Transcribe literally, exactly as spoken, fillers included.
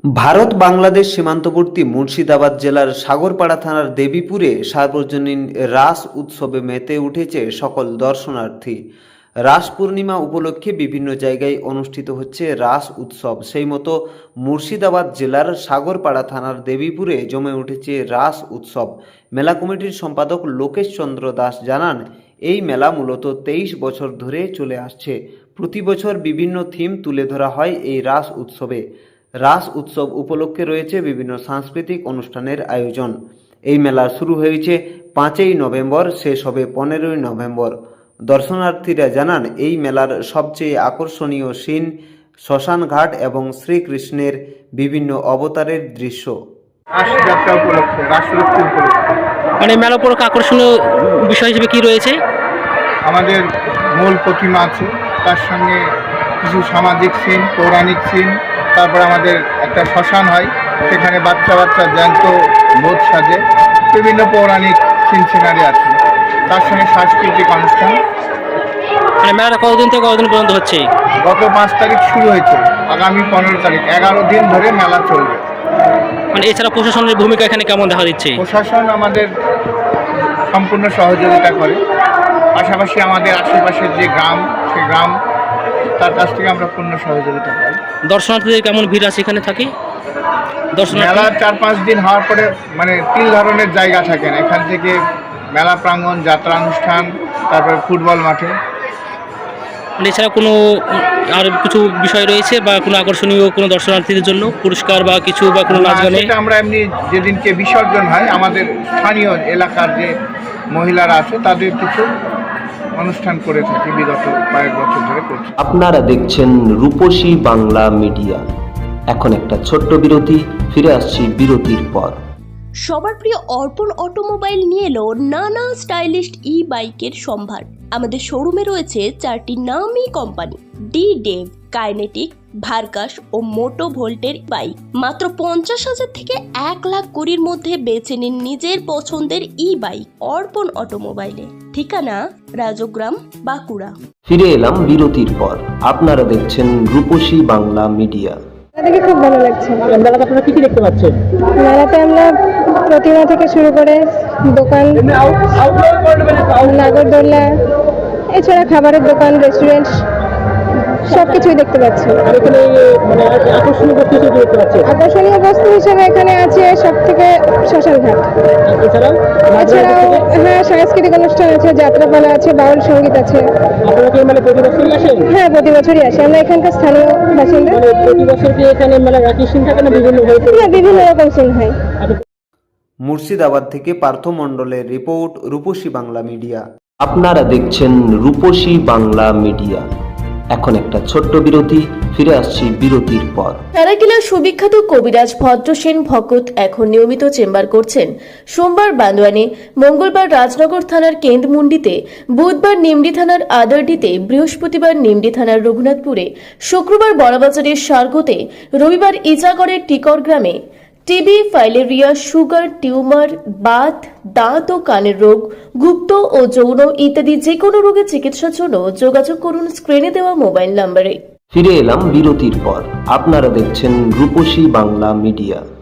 ভারত বাংলাদেশ সীমান্তবর্তী মুর্শিদাবাদ জেলার সাগরপাড়া থানার দেবীপুরে সার্বজনীন রাস উৎসবে মেতে উঠেছে সকল দর্শনার্থী। রাস পূর্ণিমা উপলক্ষে বিভিন্ন জায়গায় অনুষ্ঠিত হচ্ছে রাস উৎসব। সেই মতো মুর্শিদাবাদ জেলার সাগরপাড়া থানার দেবীপুরে জমে উঠেছে রাস উৎসব। মেলা কমিটির সম্পাদক লোকেশ চন্দ্র দাস জানান, এই মেলা মূলত তেইশ বছর ধরে চলে আসছে। প্রতি বছর বিভিন্ন থিম তুলে ধরা হয় এই রাস উৎসবে। রাস উৎসব উপলক্ষে রয়েছে বিভিন্ন সাংস্কৃতিক অনুষ্ঠানের আয়োজন। এই মেলা শুরু হয়েছে পাঁচই নভেম্বর, শেষ হবে পনেরোই নভেম্বর। দর্শনার্থীরা জানান, এই মেলার সবচেয়ে আকর্ষণীয় সিন শ্মশানঘাট এবং শ্রীকৃষ্ণের বিভিন্ন অবতারের দৃশ্য। রাসযাত্রা উপলক্ষে, রাসলক্ষ্মী উপলক্ষে মানে মেলা উপলক্ষে আকর্ষণীয় বিষয় হিসেবে কি রয়েছে? আমাদের মূল প্রতিমা আছে, তার সঙ্গে কিছু সামাজিক সিন, পৌরাণিক সিন, তারপর আমাদের একটা শ্মশান হয়, সেখানে বাচ্চা বাচ্চা জ্যান্ত বোধ সাজে, বিভিন্ন পৌরাণিক সিন সিনারি আছে, তার সঙ্গে সাংস্কৃতিক অনুষ্ঠান। মানে মেলাটা কতদিন থেকে কতদিন পর্যন্ত হচ্ছে? গত পাঁচ তারিখ শুরু হয়েছে, আগামী পনেরো তারিখ এগারো দিন ধরে মেলা চলবে। মানে এছাড়া প্রশাসনের ভূমিকা এখানে কেমন দেখা দিচ্ছে? প্রশাসন আমাদের সম্পূর্ণ সহযোগিতা করে, পাশাপাশি আমাদের আশেপাশের যে গ্রাম, সেই গ্রাম তার কাছ থেকে আমরা পূর্ণ সহযোগিতা পাই। দর্শনার্থীদের কেমন ভিড় আছে এখানে থাকে? মেলা চার পাঁচ দিন হওয়ার পরে মানে তিন ধরনের জায়গা থাকে না, এখান থেকে মেলা প্রাঙ্গণ, যাত্রা অনুষ্ঠান, তারপরে ফুটবল মাঠে। মানে এছাড়া কোনো আর কিছু বিষয় রয়েছে বা কোনো আকর্ষণীয় কোনো দর্শনার্থীদের জন্য পুরস্কার বা কিছু বা কোনো নাচ গানে? সেটা আমরা এমনি যেদিনকে বিসর্জন হয়, আমাদের স্থানীয় এলাকার যে মহিলারা আছে তাদের কিছু অনুষ্ঠান করে থাকি, বিগত কয়েক বছর ধরে করছি। আপনারা দেখছেন রূপসী বাংলা মিডিয়া। এখন একটা ছোট্ট বিরতি, ফিরে আসছি বিরতির পর। সবার প্রিয় অর্পণ অটোমোবাইল নিয়ে এলো নানা স্টাইলিশ ই বাইকের সম্ভার। আমাদের শোরুমে রয়েছে চারটি নামি কোম্পানি, ডি ডেভ, কাইনেটিক, ভার্কাস ও মোটো ভোল্টের বাইক। মাত্র পঞ্চাশ হাজার থেকে এক লাখ কুড়ির মধ্যে বেছে নিন নিজের পছন্দের ই বাইক অর্পণ অটোমোবাইলে। ঠিকানা রাজগ্রাম, বাঁকুড়া। ফিরে এলাম বিরতির পর। আপনারা দেখছেন রূপসী বাংলা মিডিয়া। দেখে খুব ভালো লাগছে। মেলাতে আপনারা কি কি দেখতে পাচ্ছেন? মেলাতে আমরা প্রতিমা থেকে শুরু করে দোকান, নাগরদোল্লা, এছাড়া খাবারের দোকান, রেস্টুরেন্ট সবকিছুই দেখতে পাচ্ছি। আকর্ষণীয় বস্তু হিসেবে এখানে আছে সব থেকে শ্মশানঘাট। এছাড়াও হ্যাঁ, সাংস্কৃতিক অনুষ্ঠান আছে, যাত্রাপালা আছে, বাউল সঙ্গীত আছে। হ্যাঁ, প্রতি বছরই আসে। আমরা এখানকার স্থানীয় বাসিন্দা। প্রতি বছর কি এখানে মেলা একই সিন থাকে না বিভিন্ন না বিভিন্ন রকম সিন হয়? মুর্শিদাবাদ থেকে পার্থ মণ্ডলের রিপোর্ট, রূপসী বাংলা মিডিয়া। আপনারা দেখছেন রূপসী বাংলা মিডিয়া। এখন একটা ছোট্ট বিরতি, ফিরে আসছি বিরতির পর। সারাকিলার সুবিখ্যাত কবিরাজ ভদ্রসেন ভকত এখন নিয়মিত চেম্বার করছেন সোমবার বান্দোয়ানে, মঙ্গলবার রাজনগর থানার কেন্দ্রমুন্ডিতে, বুধবার নিমডি থানার আদারডিতে, বৃহস্পতিবার নিমডি থানার রঘুনাথপুরে, শুক্রবার বড়বাজারের সার্গোতে, রবিবার ইজাগড়ের টিকর গ্রামে। টিবি, ফাইলেরিয়া, সুগার, টিউমার, বাত, দাঁত ও কানের রোগ, গুপ্ত ও যৌন ইত্যাদি যে কোনো রোগের চিকিৎসার জন্য যোগাযোগ করুন স্ক্রিনে দেওয়া মোবাইল নম্বরে। ফিরে এলাম বিরতির পর। আপনারা দেখছেন রূপসী বাংলা মিডিয়া।